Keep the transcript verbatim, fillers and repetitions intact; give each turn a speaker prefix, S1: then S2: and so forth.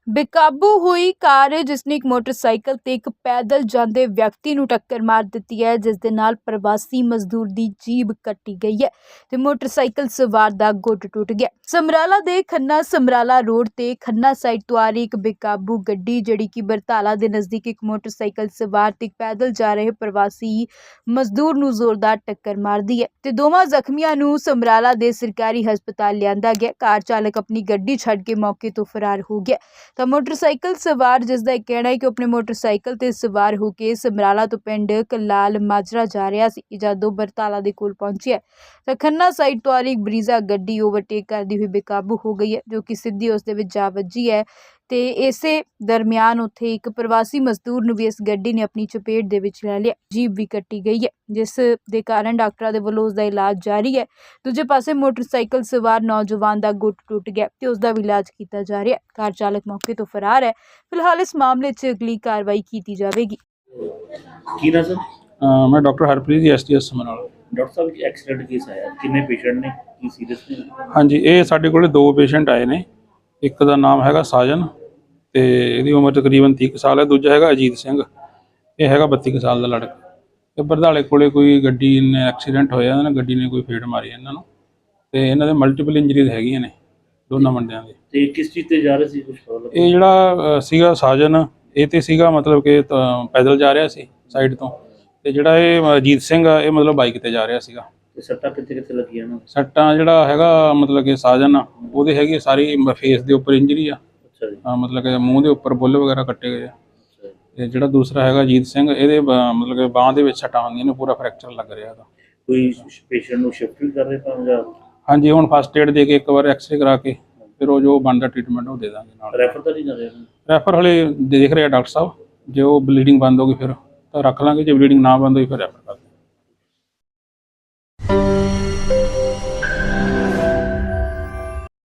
S1: बेकाबू हुई कार जिसने एक मोटरसाइकिल ते एक पैदल जाते व्यक्ति नूं टक्कर मार दी है, जिस दे नाल प्रवासी मजदूर की जीभ कट्टी गई है ते मोटरसाइकिल सवार दा गुट टुट गया। समराला दे खन्ना समराला रोड ते खन्ना साइड तो आ रही एक बेकाबू गड्डी जिहड़ी कि बरताला दे नज़दीक एक मोटरसाइकिल सवार ते पैदल जा रहे प्रवासी मजदूर नूं जोरदार टक्कर मार दी है ते दोवां जख्मियां नूं समराला दे सरकारी हस्पताल लिआंदा गया। कार चालक अपनी गड्डी छड्ड के मौके तो फरार हो गया। तो मोटरसाइकिल सवार जिसका एक कहना है कि अपने मोटरसाइकिल ते सवार होकर समराला तो पिंड कलाल माजरा जा रहा सी, जदों बरताला दे कोल पहुंची है तो खन्ना साइड तो आ रही एक ब्रीजा गड्डी ओवरटेक करती हुई बेकाबू हो गई है, जो कि सीधी उस दे विच जा वजी है। तो इसे दरमियान उत्थे एक प्रवासी मजदूर नूं भी इस गड्डी ने अपनी चपेट दे विच लै लिया, जीभ भी कट्टी गई है, जिस दे कारण डॉक्टरां दे वल्लों उसदा इलाज जारी है। दूजे पासे मोटरसाइकिल सवार नौजवान का गुट टुट गया तो उसका भी इलाज किया जा रहा है। कार चालक मौके तो फरार है। फिलहाल इस मामले च अगली कार्रवाई की जाएगी।
S2: की ना सर
S3: अ, मैं doctor Harpreet ji S T S Samrala.
S2: Doctor साहब एक एक्सीडेंट केस आया, किन्ने पेशेंट ने की सीरियस ने?
S3: हाँ जी, ये साढ़े कोल दो पेशेंट आए ने। एक का नाम हैगा साजन ते इहदी उम्र तकरीबन तीह साल है। दूजा हैगा अजीत सिंह, ये हैगा बत्ती साल का लड़का। ते बरधाले कोले कोई गड्डी ने एक्सीडेंट होया, इन्हां गड्डी ने कोई फेड़ मारी इन्हां नूं ते इन्हां दे मल्टीपल इंजरीज हैगियां ने दोनों मुंडियां दे।
S2: ते किस चीज़ ते जा रहे सी, कुछ पता लगा?
S3: ये जिहड़ा सीगा साजन ये ते सीगा मतलब कि पैदल जा रहा सी साइड तो, ते जिहड़ा ये अजीत सिंह आ ये मतलब बाइक ते जा रहा सीगा।
S2: ते सट्टां कित्थे कित्थे लगियां ना?
S3: सट्टां जिहड़ा हैगा मतलब कि साजन आ ਉਹਦੇ ਹੈਗੀ सारी फेस ਦੇ ਉੱਪਰ इंजरी आ।
S2: अच्छा जी।
S3: हाँ, मतलब कि मूँह ਦੇ ਉੱਪਰ ਬੁੱਲ ਵਗੈਰਾ ਕੱਟੇ ਗਏ ਆ।
S2: अच्छा जी।
S3: ਤੇ ਜਿਹੜਾ ਦੂਸਰਾ ਹੈਗਾ ਅਜੀਤ ਸਿੰਘ ਇਹਦੇ ਬ- ਮਤਲਬ ਕਿ ਬਾਂਹ ਦੇ ਵਿੱਚ ਸੱਟਾਂ ਹੁੰਦੀਆਂ ਨੇ, ਪੂਰਾ ਫ੍ਰੈਕਚਰ ਲੱਗ ਰਿਹਾ ਇਹਦਾ।
S2: कोई पेशेंट ਨੂੰ शिफ्ट भी कर रहे ਤਾਂ ਜਾਂ
S3: ਹਾਂਜੀ, ਹੁਣ ਫਸਟ ਏਡ ਦੇ ਕੇ ਇੱਕ ਵਾਰ ਐਕਸਰੇ ਕਰਾ ਕੇ ਫਿਰ ਉਹ ਜੋ ਬਣਦਾ ਟ੍ਰੀਟਮੈਂਟ ਉਹ ਦੇ ਦਾਂਗੇ ਨਾਲ।
S2: ਰੈਫਰ ਤਾਂ ਨਹੀਂ ਕਰ ਰਹੇ?
S3: ਰੈਫਰ ਹਲੇ ਦੇਖ ਰਹੇ ਆ ਡਾਕਟਰ ਸਾਹਿਬ, ਜੇ ਉਹ ਬਲੀਡਿੰਗ ਬੰਦ ਹੋ ਗਈ ਫਿਰ ਤਾਂ ਰੱਖ ਲਾਂਗੇ, ਜੇ ਬਲੀਡਿੰਗ ਨਾ ਬੰਦ ਹੋਈ ਫਿਰ ਰੈਫਰ